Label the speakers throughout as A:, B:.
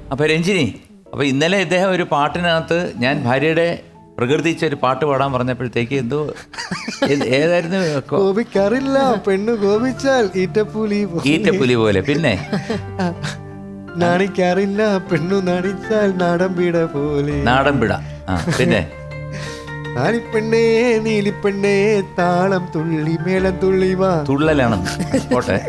A: അപ്പോൾ രഞ്ജിനി, അപ്പോൾ ഇന്നലെ ഇദ്ദേഹം ഒരു പാട്ടിനകത്ത് ഞാൻ ഭാര്യയുടെ പ്രകൃതിച്ച ഒരു പാട്ട് പാടാൻ പറഞ്ഞപ്പോഴത്തേക്ക് എന്തോ ഏതായിരുന്നു?
B: കോപിക്കാറില്ല പെണ്ണു കോപിച്ചാൽ ഈറ്റപ്പുലി
A: പോലെ. പിന്നെ
B: നാണിക്കാറില്ല പെണ്ണു നാണിച്ചാൽ നാടൻപിട പോലെ.
A: നാടൻപിട. പിന്നെ
B: നാണിപ്പെണ്ണേ നീലിപ്പെണ്ണേ താളം തുള്ളി മേളം തുള്ളി വാ.
A: തുള്ളലാണെന്ന് പോട്ടെ.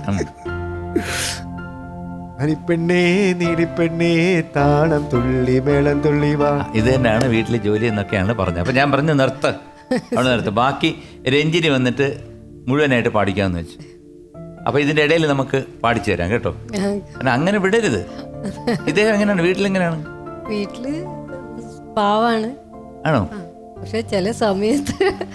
B: നാണിപ്പെണ്ണേ നീലിപ്പെണ്ണേ താളം തുള്ളി മേളം തുള്ളി വാ.
A: ഇത് തന്നെയാണ് വീട്ടിലെ ജോലി എന്നൊക്കെയാണ് പറഞ്ഞത്. അപ്പം ഞാൻ പറഞ്ഞു നിർത്ത്, അവിടെ നിർത്ത്. ബാക്കി രഞ്ജിനി വന്നിട്ട് മുഴുവനായിട്ട് പാടിക്കാമെന്ന് വെച്ചു. അപ്പോൾ ഇതിൻ്റെ ഇടയിൽ നമുക്ക് പാടിച്ചു തരാം കേട്ടോ. അങ്ങനെ വിടരുത്. ഇദ്ദേഹം എങ്ങനെയാണ് വീട്ടിലെങ്ങനെയാണ്?
C: വീട്ടില് പാവാണ്.
A: ആണോ?
C: പക്ഷെ ചില സമയത്ത്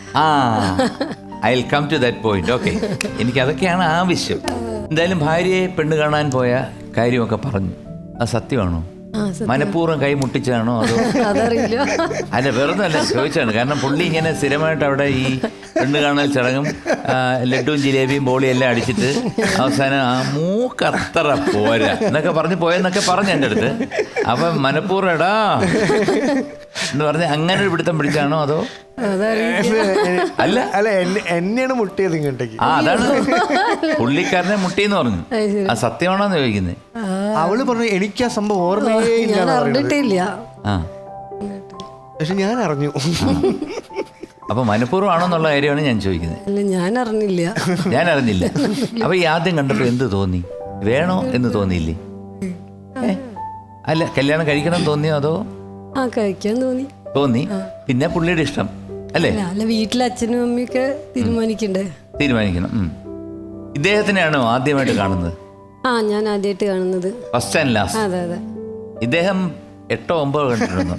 A: I will come to that point. Okay, എനിക്ക് അതൊക്കെയാണ് ആവശ്യം. എന്തായാലും ഭാര്യയെ പെണ്ണ് കാണാൻ പോയ കാര്യമൊക്കെ പറഞ്ഞു. അത് സത്യമാണോ? മനഃപൂർവ്വം കൈ മുട്ടിച്ചാണോ അതോ?
C: അതറിയില്ല.
A: അല്ല, വെറുതെ അല്ല, ചോദിച്ചാണ്. കാരണം പുള്ളി ഇങ്ങനെ സ്ഥിരമായിട്ട് അവിടെ ഈ പെണ്ണ് കാണൽ ചടങ്ങും ലഡുവും ജിലേബിയും ബോളിയും എല്ലാം അടിച്ചിട്ട് അവസാനം ആ മൂക്കത്ര പോരാ എന്നൊക്കെ പറഞ്ഞ് പോയെന്നൊക്കെ പറഞ്ഞു എൻ്റെ അടുത്ത്. അപ്പം മനഃപൂർവ്വം എടാ എന്ന് പറഞ്ഞ് അങ്ങനെ ഒരു പിടുത്തം പിടിച്ചാണോ അതോ?
B: അല്ല അല്ല, എന്നെയാണ് മുട്ടിയത് ഇങ്ങോട്ടേക്ക്.
A: അതാണ് പുള്ളിക്കാരനെ മുട്ടിയെന്ന് പറഞ്ഞു. ആ സത്യമാണോന്ന് ചോദിക്കുന്നത്.
B: അവള് പറഞ്ഞു എനിക്ക് ആ സംഭവം ഓർമ്മയേ ഇല്ല. പക്ഷെ ഞാൻ അറിഞ്ഞു.
A: അപ്പൊ മനഃപൂർവ്വം ആണോന്നുള്ള കാര്യമാണ് ഞാൻ ചോദിക്കുന്നത്.
C: ഞാൻ
A: അറിഞ്ഞില്ല. അപ്പൊ ഈ ആദ്യം കണ്ടപ്പോ എന്ത് തോന്നി? വേണോ എന്ന് തോന്നിയില്ലേ? അല്ല, കല്യാണം കഴിക്കണം തോന്നിയോ അതോ?
C: കഴിക്കാൻ തോന്നി.
A: പിന്നെ പുള്ളിയുടെ ഇഷ്ടം അല്ലേ?
C: അല്ല, വീട്ടിലെ അച്ഛനും അമ്മയൊക്കെ തീരുമാനിക്കണം.
A: ഇദ്ദേഹത്തിനെയാണോ ആദ്യമായിട്ട് കാണുന്നത്?
C: ഞാൻ ആദ്യമായിട്ട് കാണുന്നത്.
A: First and last.
C: അതെ.
A: ഇദ്ദേഹം 8 or 9 കണ്ടിരുന്നു.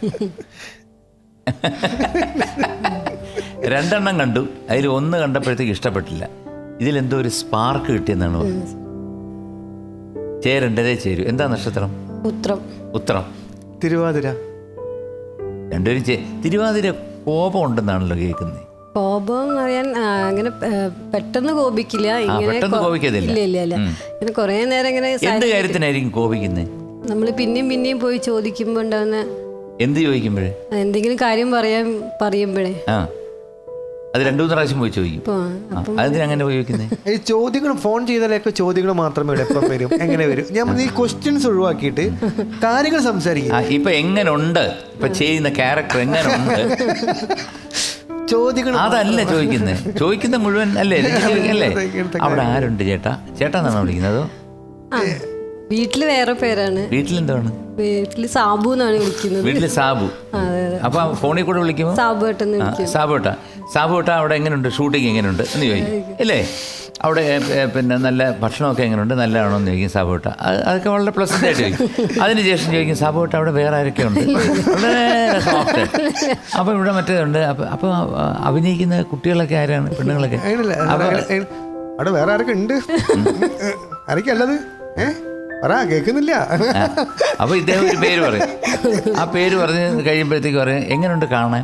A: 2 കണ്ടു. അതിൽ 1 കണ്ടപ്പോഴത്തേക്ക് ഇഷ്ടപ്പെട്ടില്ല. ഇതിലെന്തോ ഒരു സ്പാർക്ക് കിട്ടിയെന്നാണ് പറഞ്ഞത്. ചേരണ്ടതേ ചേരൂ. എന്താ നക്ഷത്രം? ഉത്രം.
B: തിരുവാതിര.
A: രണ്ടുപേരും തിരുവാതിര കോപം ഉണ്ടെന്നാണല്ലോ കേൾക്കുന്നത്.
C: കോപം അറിയാൻ അങ്ങനെ പെട്ടെന്ന് കോപിക്കില്ല.
A: പെട്ടെന്ന് കോപിക്കത്തില്ല.
C: ഇല്ല. ഇങ്ങനെ കുറേ നേരം ഇങ്ങനെ.
A: എന്ത് കാര്യത്തിനായിരിക്കും കോപിക്കുന്നത്?
C: നമ്മൾ പിന്നെയും പോയി ചോദിക്കുമ്പോ ഉണ്ടാവുന്ന.
A: എന്ത് ചോദിക്കുമ്പോഴേ?
C: എന്തെങ്കിലും കാര്യം പറയുമ്പോഴേ.
A: അത് 2-3 പ്രാവശ്യം പോയി ചോദിക്കും. അതിനങ്ങനെ ചോദിക്കുന്നത്
B: ഈ ചോദ്യങ്ങൾ ഫോൺ ചെയ്താലൊക്കെ ചോദ്യങ്ങൾ മാത്രമേ എപ്പം വരും, എങ്ങനെ വരും? ഞാൻ ഈ ക്വസ്റ്റ്യൻസ് ഒഴിവാക്കിയിട്ട് കാര്യങ്ങൾ സംസാരിക്കും.
A: ഇപ്പൊ എങ്ങനുണ്ട്, ഇപ്പൊ ചെയ്യുന്ന ക്യാരക്ടർ എങ്ങനുണ്ട്,
B: ചോദ്യങ്ങൾ
A: അതല്ല ചോദിക്കുന്ന മുഴുവൻ അല്ലേ? അവിടെ ആരുണ്ട് ചേട്ടാ? ചേട്ടാന്നാണോ വിളിക്കുന്നത്?
C: വീട്ടില് വേറെ പേരാണ്.
A: വീട്ടിലെന്താണ്?
C: വീട്ടില് സാബു എന്നാണ് വിളിക്കുന്നത്.
A: വീട്ടില് സാബു. അപ്പൊ ഫോണിൽ കൂടെ വിളിക്കുമ്പോ സാബുട്ട അവിടെ എങ്ങനെയുണ്ട്, ഷൂട്ടിങ് എങ്ങനെയുണ്ട് എന്ന് ചോദിക്കും അല്ലേ? അവിടെ പിന്നെ നല്ല ഭക്ഷണമൊക്കെ എങ്ങനെയുണ്ട്, നല്ലതാണോ എന്ന് ചോദിക്കും സാബുട്ട. അതൊക്കെ വളരെ പ്ലസന്റ് ആയിട്ട് ചോദിക്കും. അതിനുശേഷം ചോദിക്കും സാബുട്ട അവിടെ വേറെ ആരൊക്കെ ഉണ്ട്, വളരെ സോഫ്റ്റ്. അപ്പം ഇവിടെ മറ്റേതുണ്ട്. അപ്പൊ അഭിനയിക്കുന്ന കുട്ടികളൊക്കെ ആരാണ്? പെണ്ണുങ്ങളൊക്കെ
B: അവിടെ വേറെ ആരൊക്കെ ഉണ്ട്, ആരൊക്കെയല്ലത് കേൾക്കുന്നില്ല.
A: അപ്പൊ ഇദ്ദേഹം ഒരു പേര് പറയും. ആ പേര് പറഞ്ഞ് കഴിയുമ്പോഴത്തേക്ക് പറയും എങ്ങനെയുണ്ട് കാണാൻ.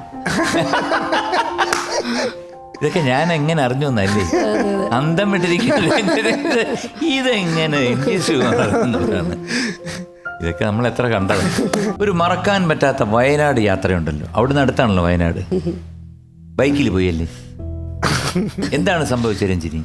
A: ഇതൊക്കെ ഞാൻ എങ്ങനെ അറിഞ്ഞു എന്നല്ലേ അന്തം വിട്ടിരിക്കുന്നത്. ഇതെങ്ങനെ ഇതൊക്കെ നമ്മൾ എത്ര കണ്ടത്. ഒരു മറക്കാൻ പറ്റാത്ത വയനാട് യാത്രയുണ്ടല്ലോ, അവിടുന്ന് അടുത്താണല്ലോ വയനാട്. ബൈക്കിൽ പോയല്ലേ? എന്താണ് സംഭവിച്ചത് രഞ്ജിനി?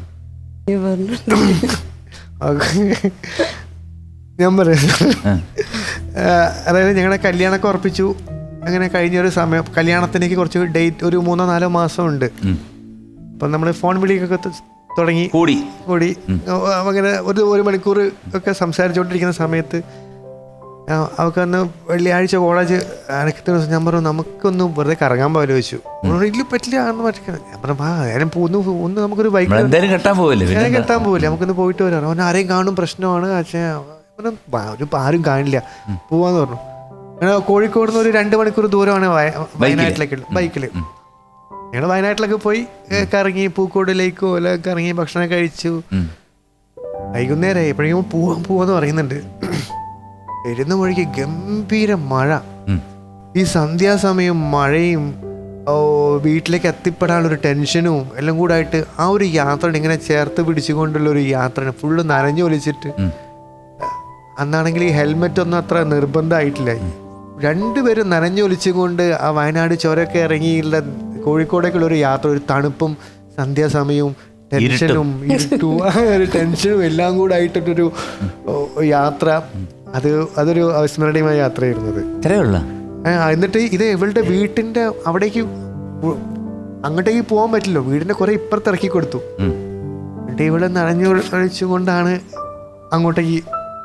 B: ഞാൻ പറയുന്നത്, അതായത് ഞങ്ങളുടെ കല്യാണമൊക്കെ ഉറപ്പിച്ചു. അങ്ങനെ കഴിഞ്ഞൊരു സമയം കല്യാണത്തിലേക്ക് കുറച്ച് ഡേറ്റ്, ഒരു 3-4 മാസം ഉണ്ട്. അപ്പം നമ്മൾ ഫോൺ വിളിയൊക്കെ തുടങ്ങി കൂടി. അങ്ങനെ 1 മണിക്കൂർ ഒക്കെ സംസാരിച്ചുകൊണ്ടിരിക്കുന്ന സമയത്ത് അവൾക്കന്ന് വെള്ളിയാഴ്ച കോളേജ് അടയ്ക്കുന്ന ദിവസം ഞാൻ പറഞ്ഞു നമുക്കൊന്ന് വെറുതെ കറങ്ങാൻ പോലും വെച്ചു. ഇതിൽ പറ്റില്ല എന്ന് പറ്റില്ല. ഞാൻ പറഞ്ഞു ആരും ഒന്ന് നമുക്കൊരു ബൈക്ക് കെട്ടാൻ പോവില്ല, നമുക്കൊന്ന് പോയിട്ട് വരാം. അവൻ ആരെയും കാണും പ്രശ്നമാണ്. ആരും കാണില്ല, പോവാന്ന് പറഞ്ഞു. അങ്ങനെ കോഴിക്കോട് നിന്ന് ഒരു 2 മണിക്കൂർ ദൂരമാണ് വയനാട്ടിലേക്ക് ബൈക്കിൽ. ഞങ്ങൾ വയനാട്ടിലൊക്കെ പോയി കറങ്ങി, പൂക്കോട് ലേക്കോ എല്ലാം കറങ്ങി, ഭക്ഷണം കഴിച്ചു. വൈകുന്നേരമായി എപ്പോഴെങ്കിലും പോവാന്ന് പറയുന്നുണ്ട്. വരുന്ന വഴിക്ക് ഗംഭീര മഴ. ഈ സന്ധ്യാസമയം മഴയും വീട്ടിലേക്ക് എത്തിപ്പെടാനുള്ളൊരു ടെൻഷനും എല്ലാം കൂടെ ആയിട്ട് ആ ഒരു യാത്ര ഇങ്ങനെ ചേർത്ത് പിടിച്ചുകൊണ്ടുള്ള ഒരു യാത്രയാണ്. ഫുള്ള് നനഞ്ഞു ഒലിച്ചിട്ട് അന്നാണെങ്കിൽ ഈ ഹെൽമെറ്റ് ഒന്നും അത്ര നിർബന്ധമായിട്ടില്ല. രണ്ടുപേരും നനഞ്ഞൊലിച്ചുകൊണ്ട് ആ വയനാട് ചുരമൊക്കെ ഇറങ്ങിയുള്ള കോഴിക്കോടേക്കുള്ള ഒരു യാത്ര, ഒരു തണുപ്പും സന്ധ്യാസമയവും ടെൻഷനും ഇരുട്ടും ഒരു ടെൻഷനും എല്ലാം കൂടെ ആയിട്ടൊരു യാത്ര. അതൊരു അവിസ്മരണീയമായ യാത്രയായിരുന്നത്. എന്നിട്ട് ഇത് ഇവളുടെ വീട്ടിൻ്റെ അവിടേക്ക് അങ്ങോട്ടേക്ക് പോകാൻ പറ്റില്ലോ, വീടിൻ്റെ കുറെ ഇപ്പുറത്ത് ഇറക്കി കൊടുത്തു. എന്നിട്ട് ഇവിടെ നനഞ്ഞൊഴിച്ചുകൊണ്ടാണ് അങ്ങോട്ടേക്ക്.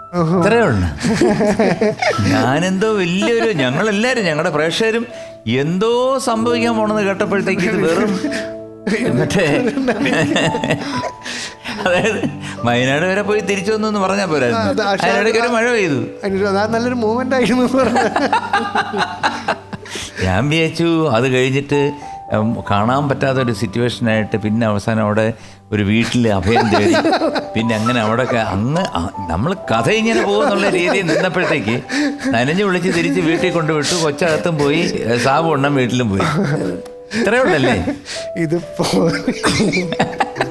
A: ഞാനെന്തോ വലിയൊരു, ഞങ്ങളെല്ലാരും ഞങ്ങളുടെ പ്രേക്ഷകരും എന്തോ സംഭവിക്കാൻ പോണെന്ന് കേട്ടപ്പോഴത്തേക്ക് ഇത് വെറും മറ്റേ അതായത് വയനാട് വരെ പോയി തിരിച്ചു വന്നു എന്ന് പറഞ്ഞാൽ പോരായിരുന്നു, അതിനിടയ്ക്ക് ഒരു മഴ പെയ്തു.
B: നല്ലൊരു മൂവ്മെന്റ് ആയിരുന്നു.
A: ഞാൻ വിചാരിച്ചു അത് കഴിഞ്ഞിട്ട് കാണാൻ പറ്റാത്തൊരു സിറ്റുവേഷനായിട്ട് പിന്നെ അവസാനം അവിടെ ഒരു വീട്ടിൽ അഭയം തേടി, പിന്നെ അങ്ങനെ അവിടെ നമ്മൾ കഥ ഇങ്ങനെ പോകുന്നുള്ള രീതിയിൽ നിന്നപ്പോഴത്തേക്ക് നനഞ്ഞു വിളിച്ച് തിരിച്ച് വീട്ടിൽ കൊണ്ടുവിട്ടു. കൊച്ചകത്തും പോയി, സാബു എണ്ണം വീട്ടിലും പോയി. ഇത്രയേ ഉള്ളല്ലേ
B: ഇതിപ്പോ